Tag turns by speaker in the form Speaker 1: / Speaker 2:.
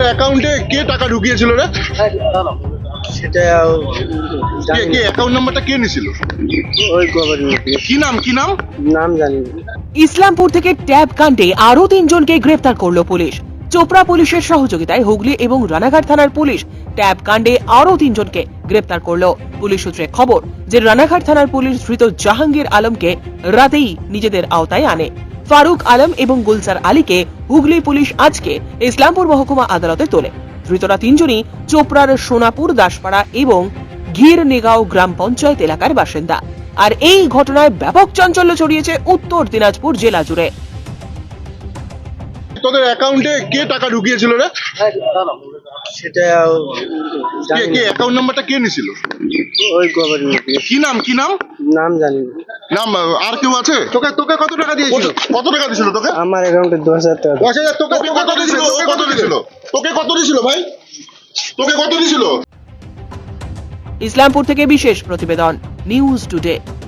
Speaker 1: অ্যাকাউন্টে কে টাকা ঢুকিয়েছিল রে?
Speaker 2: সেটা
Speaker 1: কে কে অ্যাকাউন্ট নাম্বারটা কে নিছিল?
Speaker 2: ওই গভর্নমেন্ট
Speaker 1: কি নাম
Speaker 2: নাম জানি না।
Speaker 3: ইসলামপুর থেকে ট্যাব কাণ্ডে আরো 3 জনকে গ্রেফতার করলো পুলিশ। চোপড়া পুলিশের সহযোগিতায় হুগলি এবং রানাঘাট থানার পুলিশ ট্যাব কাণ্ডে আরো 3 জনকে গ্রেফতার করলো। পুলিশ সূত্রে খবর যে রানাঘাট থানার পুলিশ ধৃত জাহাঙ্গীর আলমকে রাতেই নিজেদের আওতায় আনে। ফারুক আলম এবং গুলজার আলীকে হুগলি পুলিশ আজকে ইসলামপুর মহকুমা আদালতে তোলে। ধৃতরা 3 জনই চোপড়ার সোনাপুর দাসপাড়া এবং ঘিরনেগাঁও গ্রাম পঞ্চায়েত এলাকার বাসিন্দা। আর এই ঘটনায় ব্যাপক চাঞ্চল্য ছড়িয়েছে উত্তর দিনাজপুর জেলা জুড়ে।
Speaker 1: তোদের অ্যাকাউন্টে কে টাকা ঢুকিয়েছিল রে?
Speaker 2: সেটা
Speaker 1: কে কে অ্যাকাউন্ট নাম্বারটা কে নিছিল?
Speaker 2: ওই গভর্নমেন্ট
Speaker 1: কি নাম
Speaker 2: নাম জানি না।
Speaker 1: নাম আর কেউ আছে? তোকে তোকে কত টাকা দিয়েছিল? কত টাকা দিয়েছিল তোকে?
Speaker 2: আমার অ্যাকাউন্টে 10,000 টাকা।
Speaker 1: 10,000। তোকে কত দিয়েছিল? ও কত দিয়েছিল? তোকে কত দিয়েছিল ভাই? তোকে কত দিয়েছিল?
Speaker 3: ইসলামপুর থেকে বিশেষ প্রতিবেদন, নিউজ টুডে।